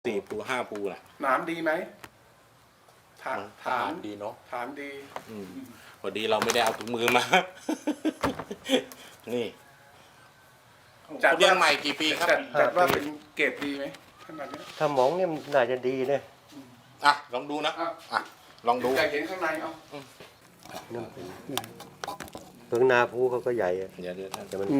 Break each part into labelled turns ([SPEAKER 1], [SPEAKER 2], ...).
[SPEAKER 1] 4 ปู 5 ปูน่ะ
[SPEAKER 2] หนามดีไหมถาม
[SPEAKER 1] ดีเนาะ
[SPEAKER 2] ถามดี
[SPEAKER 1] พอดีเราไม่ได้เอาถุงมือมา นี่จัดเรียนใหม่กี่ปีครับ
[SPEAKER 2] จัดว่าเป็นเกรดดีไหมขนาดนี้
[SPEAKER 3] ถ้ามองเนี่ยน่าจะดีเนี่ย
[SPEAKER 1] ลองดูนะลองดู
[SPEAKER 2] อยากเห็นข้างในเอา
[SPEAKER 3] เพิ่งนาภูเขาก็ใหญ่
[SPEAKER 1] เดี๋ยว
[SPEAKER 3] แต่มัน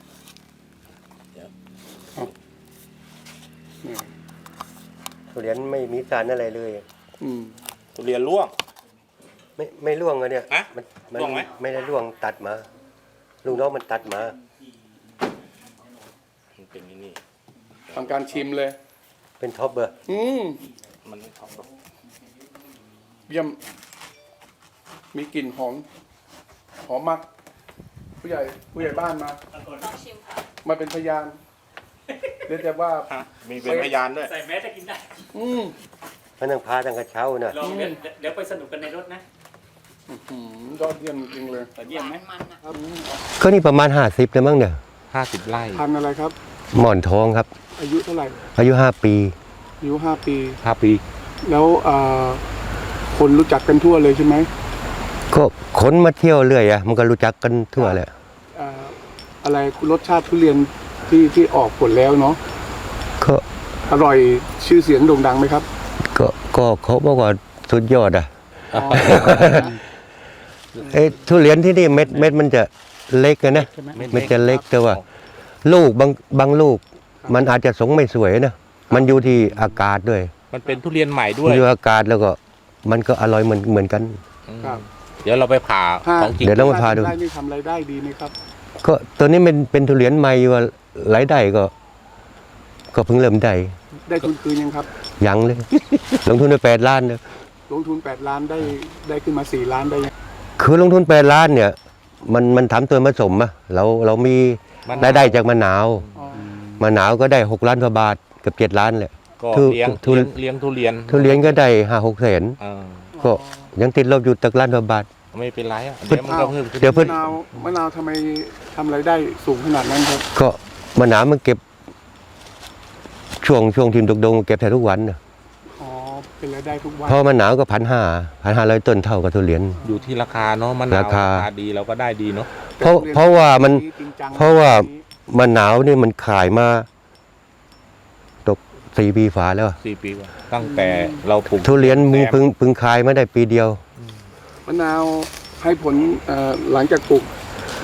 [SPEAKER 3] ทุเรียนไม่มีสารอะไรเลย
[SPEAKER 1] ทุเรียนร่วง
[SPEAKER 3] ไม่ร่วงเลยเนี่ย
[SPEAKER 1] มันร่วงไหม
[SPEAKER 3] ไม่ได้ร่วงตัดมาลูกน้องมันตัดมา
[SPEAKER 1] มันเป็นนี่
[SPEAKER 2] ทำการชิมเลย
[SPEAKER 3] เป็นท็อปเบอร์
[SPEAKER 1] มันไม่ท็อป
[SPEAKER 2] เยี่ยมมีกลิ่นหอมมากผู้ใหญ่บ้านมาเป็นพยานเรียกแต่ว่า
[SPEAKER 1] มีเป็นพยานด้วย
[SPEAKER 4] ใส่แมสจะกินได้
[SPEAKER 3] มันนั่งพาตั้งกระเช้าน่ะ
[SPEAKER 4] ลองเดี๋ยวไปสนุกกันในรถนะ
[SPEAKER 2] ยอดเยี่ยมจริงเลย
[SPEAKER 4] เยี่ยมไหม
[SPEAKER 3] ก็นี่ประมาณ50เลยมั้งเนี่ย
[SPEAKER 1] 50 ไร่
[SPEAKER 2] พันอะไรครับ
[SPEAKER 3] หมอนทองครับ
[SPEAKER 2] อายุเท่าไหร่
[SPEAKER 3] อายุ5 ปี
[SPEAKER 2] อายุ5 ปี
[SPEAKER 1] 5 ปี
[SPEAKER 2] แล้วคนรู้จักกันทั่วเลยใช่ไหม
[SPEAKER 3] ก็คนมาเที่ยวเรื่อยมันก็รู้จักกันทั่วแหละ
[SPEAKER 2] อะไรรสชาติทุเรียนที่ออกผลแล้วเนาะ
[SPEAKER 3] ก็
[SPEAKER 2] อร่อยชื่อเสียงโด่งดังไหมครับ
[SPEAKER 3] ก็เขาบอกว่าสุดยอดทุเรียนที่นี่เม็ดมันจะเล็กนะมันจะเล็กแต่ว่าลูกบางลูกมันอาจจะสงไม่สวยนะมันอยู่ที่อากาศด้วย
[SPEAKER 1] มันเป็นทุเรียนใหม่ด้วย
[SPEAKER 3] อยู่อากาศแล้วก็มันก็อร่อยเหมือนกัน
[SPEAKER 1] เดี๋ยวเราไปผ่าของจริง
[SPEAKER 3] เดี๋ยวเราไปผ่าดู
[SPEAKER 2] ได้นี่ทำรายได้ดีไหมครับ
[SPEAKER 3] ก็ตัวนี้เป็นทุเรียนใหม่ว่ารายได้ก็เพิ่งเริ่มได้
[SPEAKER 2] ทุนคืนยังครับ
[SPEAKER 3] ยังเลยลงทุนไป8 ล้านเลย
[SPEAKER 2] ลงทุน8 ล้านได้ขึ้นมา4 ล้านได้ยัง
[SPEAKER 3] คือลงทุน8 ล้านเนี่ยมันทำตัวผสมเรามีรายได้จากมะนาวก็ได้6 ล้านกว่าบาทเกือบ7 ล้านแหละ
[SPEAKER 1] ก็เลี้ยงทุเรี
[SPEAKER 3] ยนก็ได้5-6 แสนก็ยังติดลบอยู่ตัก1 ล้านกว่าบาท
[SPEAKER 1] ไม่เป็นไรเดี๋ยวมันก็เพิ่ม
[SPEAKER 3] เดี๋ยว
[SPEAKER 2] มะนาวทำไมทำรายได้สูงขนาดนั้นครับ
[SPEAKER 3] ก็มะนาวมันเก็บช่วงทีมดงเก็บแทบทุกวันนะ
[SPEAKER 2] เป็นรายได้ทุกวัน
[SPEAKER 3] เพราะมะนาวก็1,500 ต้นเท่ากับทุเรียน
[SPEAKER 1] อยู่ที่ราคาเนาะมะนาวราคาดีเราก็ได้ดีเนาะ
[SPEAKER 3] เพราะว่ามะนาวนี่มันขายมาตก4 ปีฝ่าแล้ว
[SPEAKER 1] 4 ปีตั้งแต่เราปลูก
[SPEAKER 3] ทุเรียนมึงเพิ่งขายมาได้ปีเดียว
[SPEAKER 2] มะนาวให้ผลหลังจากปลูก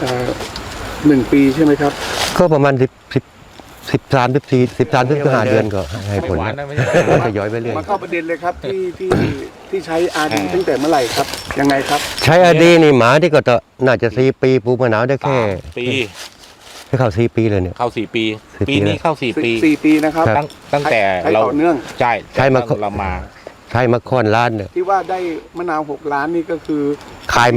[SPEAKER 2] 1 ปีใช่ไหมครับ
[SPEAKER 3] ก็ประมาณ13-14 15 เดือนก็ให้ผลแล้วจะย้อยไปเรื่อย
[SPEAKER 2] มาเข้าประเด็นเลยครับที่ใช้อาดีตั้งแต่เมื่อไหร่ครับยังไงครับ
[SPEAKER 3] ใช้อาดีนี่หมาที่ก็น่าจะ4 ปีปลูกมะนาวได้แค่
[SPEAKER 1] ปี
[SPEAKER 3] ให้เข้า4 ปีเลยเนี่ย
[SPEAKER 1] เข้า4 ปีปีนี้เข้า4 ปี
[SPEAKER 2] 4 ปีนะครับ
[SPEAKER 1] ตั้งแต่เรา
[SPEAKER 2] ต่อเนื่อง
[SPEAKER 3] ใช่มาใช่มาค่อนล้านเนี่ย
[SPEAKER 2] ที่ว่าได้มะนาว6 ล้านนี่ก็คือ
[SPEAKER 3] ขาย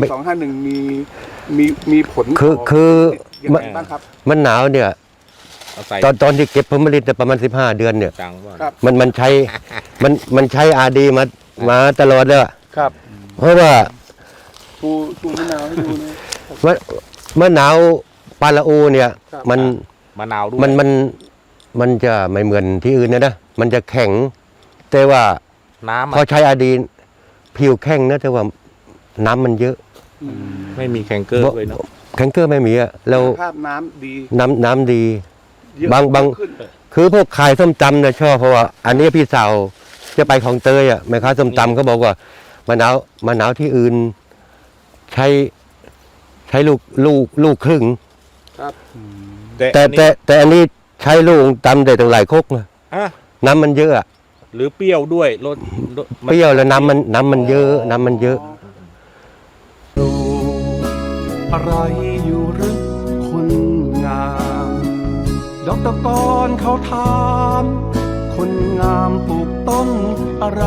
[SPEAKER 2] 251มีผล
[SPEAKER 3] คือ
[SPEAKER 2] ยังไงบ้างครับ
[SPEAKER 3] มะนาวเนี่ยตอนที่เก็บผลผลิตประมาณ15 เดือนเนี่ยมันใช้อาดีมาตลอดเลย
[SPEAKER 2] ครับ
[SPEAKER 3] เพราะว่า
[SPEAKER 2] ปูมะนาวให้ดูนะ
[SPEAKER 3] มะนาวปาลาอูเนี่ย
[SPEAKER 1] มะนาวด้วย
[SPEAKER 3] มันจะไม่เหมือนที่อื่นนะมันจะแข็งแต่ว่าพอใช้อาดีผิวแข็งนะแต่ว่าน้ำมันเยอะ
[SPEAKER 1] ไม่มีแข็งเกอร์เลยเนาะ
[SPEAKER 3] แข็งเกอร์ไม่มีอะแล้ว
[SPEAKER 2] น้ำดี
[SPEAKER 3] น้ำดีบางคือพวกขายส้มตำนะชอบเพราะว่าอันนี้พี่สาวจะไปของเตยอ่ะแม่ค้าส้มตำเขาบอกว่ามะนาวที่อื่นใช้ลูกครึ่ง
[SPEAKER 2] ครับ
[SPEAKER 3] แต่อันนี้ใช้ลูกตำได้ตั้งหลายครกนะน้ำมันเยอะอ่ะ
[SPEAKER 1] หรือเปรี้ยวด้วยรส
[SPEAKER 3] เปรี้ยวแล้วน้ำมันเยอะ
[SPEAKER 2] อะไรอยู่หรือคนงามดอกตะกอนเขาถามคนงามปลูกต้นอะไร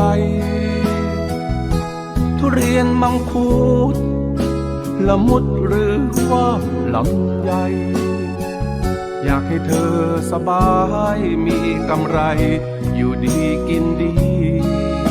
[SPEAKER 2] ทุเรียนมังคุดละมุดหรือว่าลำไยอยากให้เธอสบายมีกำไรอยู่ดีกินดี